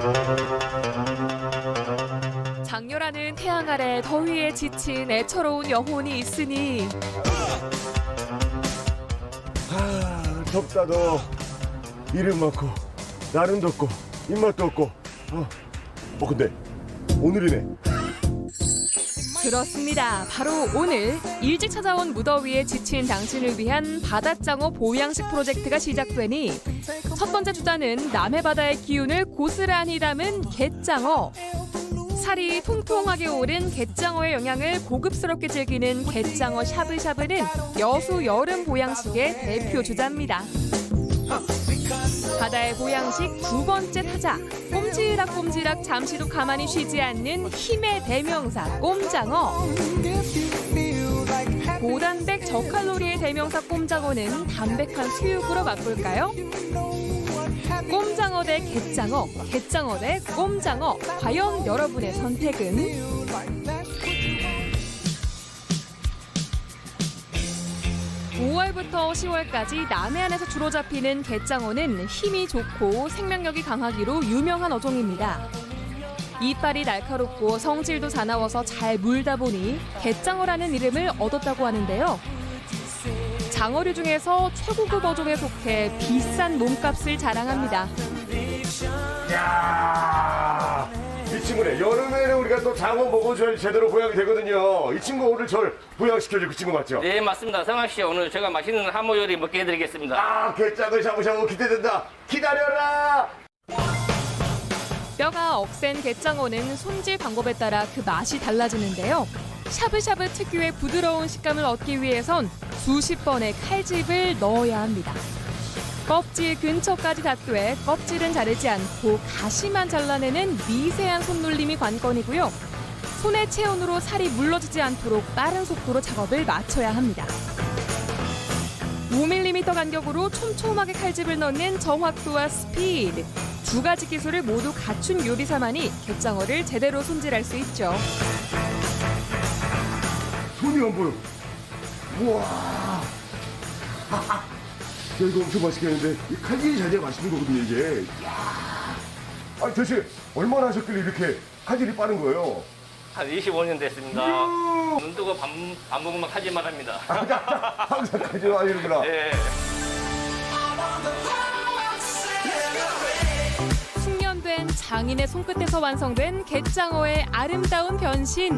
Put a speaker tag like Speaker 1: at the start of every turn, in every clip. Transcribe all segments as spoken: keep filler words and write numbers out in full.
Speaker 1: 장렬하는 태양 아래 더위에 지친 애처로운 영혼이 있으니
Speaker 2: 아, 덥다도 이름 많고 날은 덥고 입맛도 없고 어, 어 근데 오늘이네.
Speaker 1: 그렇습니다. 바로 오늘 일찍 찾아온 무더위에 지친 당신을 위한 바다장어 보양식 프로젝트가 시작되니 첫 번째 주자는 남해바다의 기운을 고스란히 담은 갯장어. 살이 통통하게 오른 갯장어의 영양을 고급스럽게 즐기는 갯장어 샤브샤브는 여수 여름 보양식의 대표 주자입니다. 바다의 보양식 두 번째 타자, 꼼지락꼼지락 잠시도 가만히 쉬지 않는 힘의 대명사 꼼장어. 고단백 저칼로리의 대명사 꼼장어는 담백한 수육으로 맛볼까요? 꼼장어 대 갯장어, 갯장어 대 꼼장어. 과연 여러분의 선택은? 오월부터 시월까지 남해안에서 주로 잡히는 갯장어는 힘이 좋고 생명력이 강하기로 유명한 어종입니다. 이빨이 날카롭고 성질도 사나워서 잘 물다 보니 갯장어라는 이름을 얻었다고 하는데요. 장어류 중에서 최고급 어종에 속해 비싼 몸값을 자랑합니다.
Speaker 2: 야, 이 친구네. 여름에는 우리가 또 장어 먹어줘야 제대로 보양이 되거든요. 이 친구 오늘 절 보양시켜줄 그 친구 맞죠?
Speaker 3: 네, 맞습니다. 성학 씨, 오늘 제가 맛있는 하모 요리 먹게 해드리겠습니다.
Speaker 2: 아, 게장을 샤브샤브 기대된다. 기다려라.
Speaker 1: 뼈가 억센 갯장어는 손질 방법에 따라 그 맛이 달라지는데요. 샤브샤브 특유의 부드러운 식감을 얻기 위해선 수십 번의 칼집을 넣어야 합니다. 껍질 근처까지 닿되 껍질은 자르지 않고 가시만 잘라내는 미세한 손놀림이 관건이고요. 손의 체온으로 살이 물러지지 않도록 빠른 속도로 작업을 마쳐야 합니다. 오 밀리미터 간격으로 촘촘하게 칼집을 넣는 정확도와 스피드. 두 가지 기술을 모두 갖춘 요리사만이 갯장어를 제대로 손질할 수 있죠.
Speaker 2: 손이 안 보여. 우와. 야, 이거 엄청 맛있겠는데 이 칼질이 잘 돼야 맛있는 거거든요 이게. 이야. 아니 대체 얼마나 하셨길래 이렇게 칼질이 빠른 거예요?
Speaker 3: 한 이십오 년 됐습니다.
Speaker 2: 음.
Speaker 3: 눈 뜨고 밥, 밥 먹으면 하지만 합니다.
Speaker 2: 항상 칼질 하시는구나.
Speaker 3: 네.
Speaker 1: 숙련된 장인의 손끝에서 완성된 갯장어의 아름다운 변신.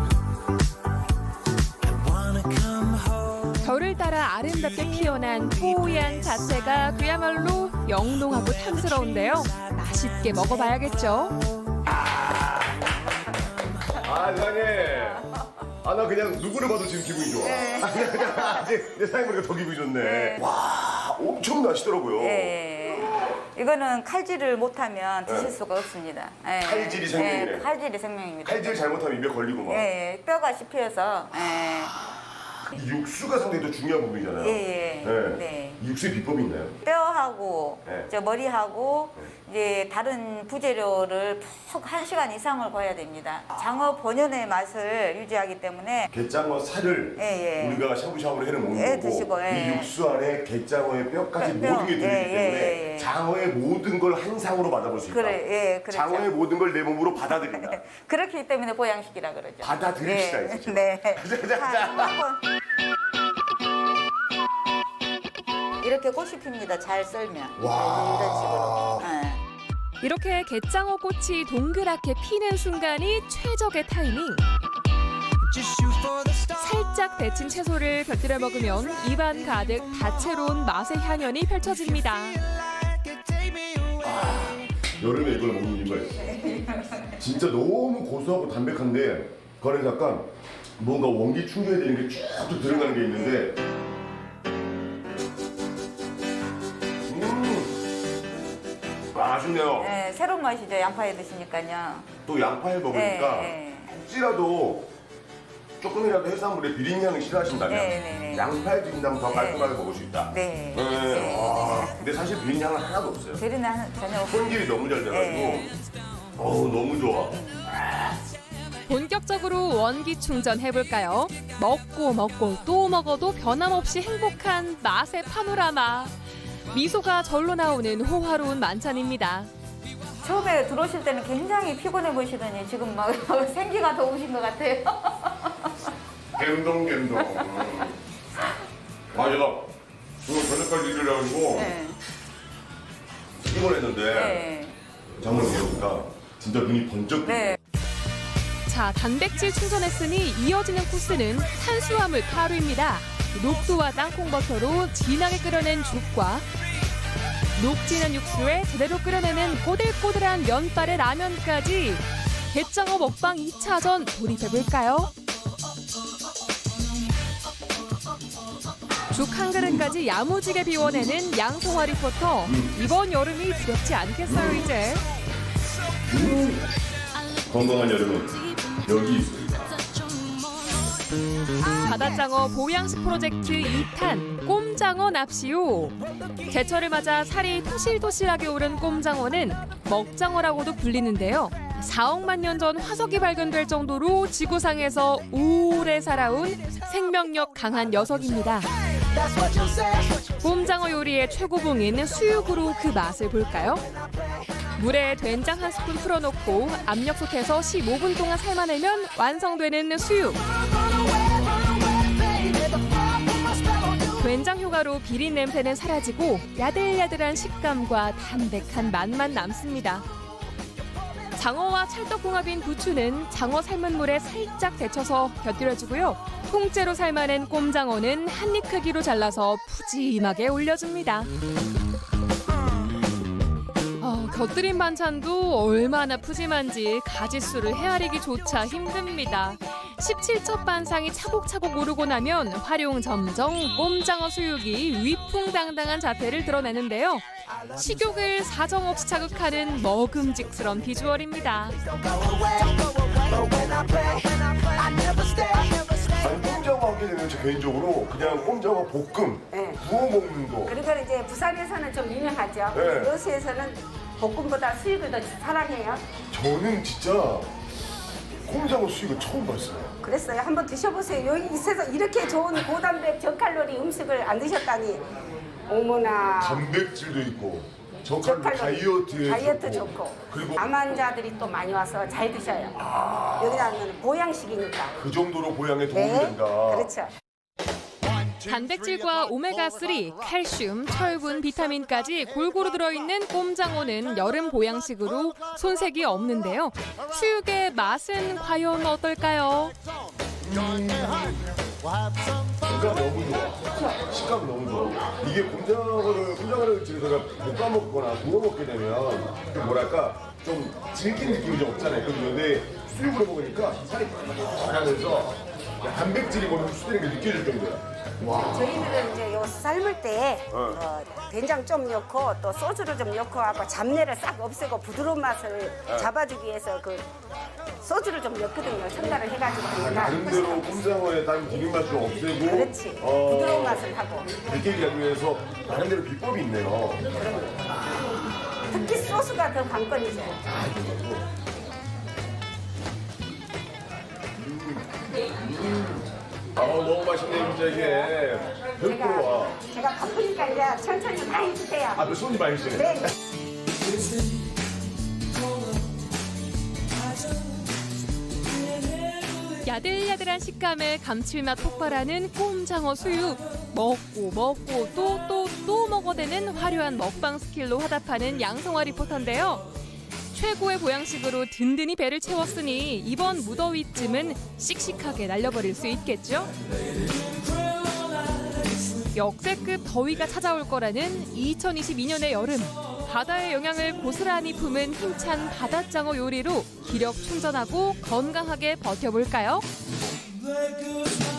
Speaker 1: 별을 따라 아름답게 피어난 뽀얀 자체가 그야말로 영롱하고 탐스러운데요. 맛있게 먹어봐야겠죠.
Speaker 2: 아 사장님. 아 나 그냥 누구를 봐도 지금 기분이 좋아.
Speaker 4: 네.
Speaker 2: 아, 그냥, 그냥 아직 내 사장님 보니까 더 기분이 좋네.
Speaker 4: 네.
Speaker 2: 와 엄청 나시더라고요.
Speaker 4: 예. 이거는 칼질을 못하면 드실
Speaker 2: 네.
Speaker 4: 수가 없습니다. 예.
Speaker 2: 칼질이 생명이네.
Speaker 4: 예, 칼질이 생명입니다.
Speaker 2: 칼질 잘못하면 입에 걸리고 막.
Speaker 4: 예, 예. 뼈가 씹혀서. 예.
Speaker 2: 이 육수가 상당히 더 중요한 부분이잖아요.
Speaker 4: 예, 예.
Speaker 2: 네.
Speaker 4: 네.
Speaker 2: 이 육수의 비법이 있나요?
Speaker 4: 뼈하고
Speaker 2: 네.
Speaker 4: 저 머리하고 이제 다른 부재료를 푹 한 시간 이상을 구워야 됩니다. 장어 본연의 맛을 유지하기 때문에
Speaker 2: 게장어 살을
Speaker 4: 예, 예.
Speaker 2: 우리가 샤브샤브로 해를 먹는
Speaker 4: 예,
Speaker 2: 거고
Speaker 4: 드시고, 예.
Speaker 2: 이 육수 안에 게장어의 뼈까지
Speaker 4: 뼈,
Speaker 2: 모든 게 들어있기
Speaker 4: 예,
Speaker 2: 때문에
Speaker 4: 예, 예.
Speaker 2: 장어의 모든 걸 한 상으로 받아볼 수 있다.
Speaker 4: 그래, 예, 그렇죠.
Speaker 2: 장어의 모든 걸 내 몸으로 받아들인다.
Speaker 4: 그렇기 때문에 보양식이라 그러죠.
Speaker 2: 받아들입시다,
Speaker 4: 예.
Speaker 2: 이제 지금.
Speaker 4: 네.
Speaker 2: 자, 자, 자.
Speaker 4: 자, 한번. 이렇게 꽃이 핍니다. 잘 썰면.
Speaker 2: 와.
Speaker 4: 이런 식으로. 예.
Speaker 1: 이렇게 갯장어 꽃이 동그랗게 피는 순간이 최적의 타이밍. 살짝 데친 채소를 곁들여 먹으면 입안 가득 다채로운 맛의 향연이 펼쳐집니다.
Speaker 2: 여름에 이걸 먹는 이유가 있어. 진짜 너무 고소하고 담백한데 그 안에 약간 뭔가 원기 충전이 되는 게 쭉 들어가는 게 있는데 음 맛있네요.
Speaker 4: 네, 새로운 맛이죠. 양파에 드시니까요.
Speaker 2: 또 양파에 먹으니까
Speaker 4: 네,
Speaker 2: 혹시라도 조금이라도 해산물에 비린 향이 싫어하신다면
Speaker 4: 네, 네, 네.
Speaker 2: 양파에 비린다면 더 깔끔하게 먹을 수 있다.
Speaker 4: 네.
Speaker 2: 네.
Speaker 4: 네.
Speaker 2: 와, 근데 사실 비린 향은 하나도 없어요.
Speaker 4: 베리는 한- 전혀 없고.
Speaker 2: 손질이 너무 잘 돼가지고
Speaker 4: 네.
Speaker 2: 어우 너무 좋아.
Speaker 1: 본격적으로 원기 충전해볼까요? 먹고 먹고 또 먹어도 변함없이 행복한 맛의 파노라마. 미소가 절로 나오는 호화로운 만찬입니다.
Speaker 4: 처음에 처음에 들어오실 때는 굉장히 피곤해 보시더니 지금 막 생기가 더우신 것 같아요.
Speaker 2: 갬동 갬동. 아 제가 오늘 저녁까지 일을 해가지고
Speaker 4: 네.
Speaker 2: 피곤했는데
Speaker 4: 네.
Speaker 2: 장을 보니까 진짜 눈이 번쩍.
Speaker 4: 네.
Speaker 1: 자, 단백질 충전했으니 이어지는 코스는 탄수화물 가루입니다. 녹두와 땅콩버터로 진하게 끓여낸 죽과 녹진한 육수에 제대로 끓여내는 꼬들꼬들한 면발의 라면까지 게장어 먹방 이 차전 돌입해볼까요? 죽 한 그릇까지 야무지게 비워내는 양송화 리포터. 이번 여름이 두렵지 않겠어요, 이제?
Speaker 2: 건강한 여름은 여기 있습니다.
Speaker 1: 바다장어 보양식 프로젝트 이 탄 꼼장어 납시오. 제철을 맞아 살이 토실토실하게 오른 꼼장어는 먹장어라고도 불리는데요. 사억만 년 전 화석이 발견될 정도로 지구상에서 오래 살아온 생명력 강한 녀석입니다. 꼼장어 요리의 최고봉인 수육으로 그 맛을 볼까요? 물에 된장 한 스푼 풀어놓고 압력솥에서 십오 분 동안 삶아내면 완성되는 수육. 된장 효과로 비린 냄새는 사라지고 야들야들한 식감과 담백한 맛만 남습니다. 장어와 찰떡궁합인 부추는 장어 삶은 물에 살짝 데쳐서 곁들여주고요. 통째로 삶아낸 꼼장어는 한 입 크기로 잘라서 푸짐하게 올려줍니다. 어, 곁들인 반찬도 얼마나 푸짐한지 가짓수를 헤아리기조차 힘듭니다. 십칠 첩 반상이 차곡차곡 오르고 나면 활용점정 꼼장어 수육이 위풍당당한 자태를 드러내는데요. 식욕을 사정없이 자극하는 먹음직스러운 비주얼입니다.
Speaker 2: 아니 꼼장어 하게 되면 저 개인적으로 그냥 꼼장어 볶음
Speaker 5: 네.
Speaker 2: 구워 먹는 거.
Speaker 5: 그리고 이제 부산에서는 좀 유명하죠.
Speaker 2: 네.
Speaker 5: 여수에서는 볶음보다 수육을 더 사랑해요.
Speaker 2: 저는 진짜 꼼장어 수육을 처음 봤어요.
Speaker 5: 그랬어요. 한번 드셔보세요. 여기 있어서 이렇게 좋은 고단백 저칼로리 음식을 안 드셨다니. 어머나.
Speaker 2: 단백질도 있고 저칼로리 다이어트에
Speaker 5: 다이어트
Speaker 2: 좋고.
Speaker 5: 좋고.
Speaker 2: 그리고
Speaker 5: 암 환자들이 또 많이 와서 잘 드셔요. 여기다는 보양식이니까.
Speaker 2: 그 정도로 보양에 도움이
Speaker 5: 네.
Speaker 2: 된다.
Speaker 5: 그렇죠.
Speaker 1: 단백질과 오메가삼, 칼슘, 철분, 비타민까지 골고루 들어있는 꼼장어는 여름 보양식으로 손색이 없는데요. 수육의 맛은 과연 어떨까요?
Speaker 2: 식감 너무 좋아. 식감 너무 좋아. 이게 꼼장어를 꼼장어를 집에서 볶아 먹거나 구워 먹게 되면 좀 뭐랄까 좀 질긴 느낌이 좀 없잖아요. 그런데 수육으로 먹으니까 살이 빡빡하면서 단백질이 거기 흡수되는 게 느껴질 정도야.
Speaker 5: 저희들은 이제 요 삶을 때
Speaker 2: 어.
Speaker 5: 어, 된장 좀 넣고 또 소주를 좀 넣고 하고 잡내를 싹 없애고 부드러운 맛을 잡아주기 위해서 그 소주를 좀 넣거든요. 첨가를 해가지고 하니까
Speaker 2: 나름대로 꼼장어의 다른 비린 맛을 없애고
Speaker 5: 그렇지.
Speaker 2: 어,
Speaker 5: 부드러운 맛을 하고
Speaker 2: 느끼게 하기 위해서 나름대로 비법이 있네요.
Speaker 5: 특히 소스가 더 관건이죠.
Speaker 2: 아 너무 맛있네 진짜 이게. 배고프와.
Speaker 5: 제가, 제가 바쁘니까 이제 천천히 많이 드세요.
Speaker 2: 아, 그 손이 많으시네.
Speaker 5: 네.
Speaker 1: 야들야들한 식감에 감칠맛 폭발하는 꼼장어 수육. 먹고 먹고 또 또 또 먹어대는 화려한 먹방 스킬로 화답하는 양성화 리포터인데요. 최고의 보양식으로 든든히 배를 채웠으니 이번 무더위쯤은 씩씩하게 날려버릴 수 있겠죠? 역대급 더위가 찾아올 거라는 이천이십이 년의 여름. 바다의 영향을 고스란히 품은 힘찬 바다장어 요리로 기력 충전하고 건강하게 버텨볼까요?
Speaker 6: Like a